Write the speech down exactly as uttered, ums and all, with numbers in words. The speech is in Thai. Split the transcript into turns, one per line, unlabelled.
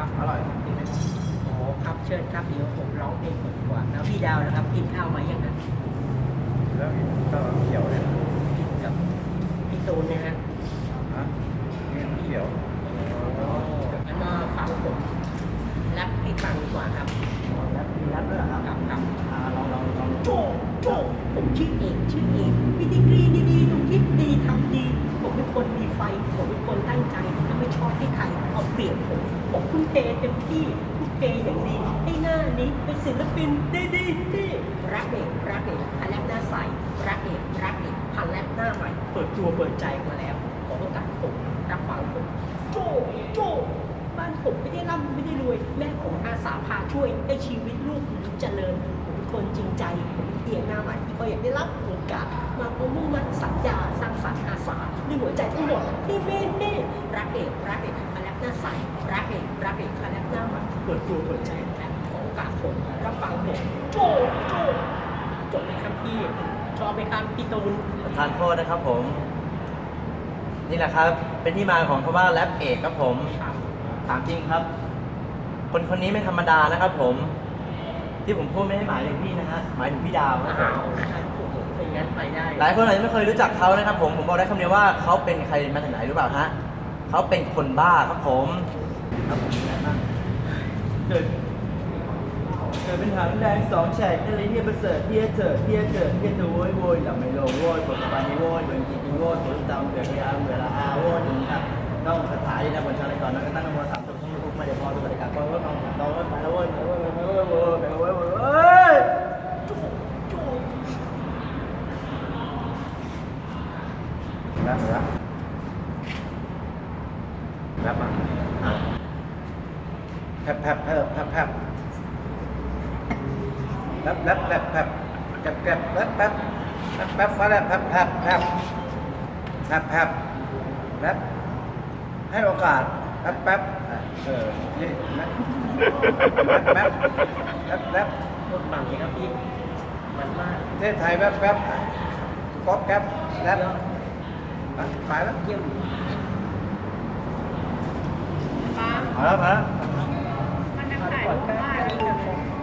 อร่อยกินไหมครับ
โอ้ครับเชิญครับเดี๋ยวผมร้องเพลงก่อนดีกว่าแล้วพี่ดาวนะครับกินข้าวไหมยังนะ
แล้วก็เขียวเนี่ย
กับพี่ตูนนะฮะ
ฮะนี่เขียว
งั้นมาฟังผมแรปให้ฟังดีกว่าครับ
แล้วมีรับด้วยเหรอครับ
ครับครับ
อ่าลองลองลอง
โจโจผมชื่อเอกชื่อเอกมีดีกรีดีๆดูคิดดีทำดี ผมเป็นคนมีไฟ ผมเป็นคนตั้งใจและไม่ชอบให้ใครเอาเปรียบผม ผมทุ่มเทเต็มที่ทุ่มเทอย่างดี ให้หน้านี้เป็นศิลปินดีดีดีรักเอกรักเอกพันแรกหน้าใสรักเอกรักเอกพันแรกหน้าใหม่ เปิดตัวเปิดใจมาแล้ว ขอโอกาสผมรับฟังผมโจโจบ้านผมไม่ได้ร่ำไม่ได้รวย แม่ผมอาสาพาช่วยให้ชีวิตลูกผมเจริญ ผมเป็นคนจริงใจ ผมเป็นเพียงหน้าใหม่ที่ก็อยากได้รับโอกาส มาพร้อมมุ่งมั่นสัญญาสร้างสรรค์อาสาด้วยหัวใจทั้งหมดที่เม่เม่รักเอกรักเอกคาแรคหน้าใสรักเอกรักเอกคาแรคหน้าใหม่เปิดตัวเปิดใจและขอโอกาสผมรับฟังผมโจโจจบไหมครับพี่ชอบไหมครับพี่ตูน
ทานโทษนะครับผม นี่แหละครับ เป็นที่มาของคำว่าแรปเอกครับผม
ครับ
ถามจริงครับ คนคนนี้ไม่ธรรมดานะครับผม ที่ผมพูดไม่ได้หมายถึงพี่นะฮะหมายถึงพี่ดาวครับผ
อ้าม วโอ้โหเป็นงั้นไปได้
หลายคนอาจจะไม่เคยรู้จักเขานะครับผมผมบอกได้คำเดียวว่าเขาเป็นใครมาจากไหนรู้เปล่าฮะเขาเป็นคนบ้าครับผมครับผมอะไรบ้างเกิดเกิดเป็นหางแดงสองแฉกอะไรเฮียประเสริฐเฮียเถิดเฮียเกิดเฮียเถอะโวยโวยหลับไม่ลงโวยปวดปานนี้โวยเหมือนกินกินโวยปวดตามเดือดเวลาเวลาอาโวยถึงครับต้องคาถาที่นะบนชาลก่อนแล้วก็ตั้งนโมสามจบทั้งลูกมาเดี๋ยวพอตัวบริการก็ว่าต้องต้องไปแล้วโวยไปแล้วโวยไปแล้วโวยไปแล้วโวยไปแล้วโวย
รับรับรับมาแผบแผบแผบแผบแผบรับรับรับแผบแผบแผบรับแผบแผบแผบฟ้าแล้วแผบแผบแผบแผบแผบรับให้โอกาสแป๊บแป๊บเออนี่นะแป๊บแป๊บแป๊บ
รถบังเลยครับพี่มันมาก
ประเทศไทยแป๊บแป๊บก๊อกแก๊บแล้วไปแล้ว
เยี่ยม
มาแล้วมาแล้ว
มันจะขายรูปบ้าน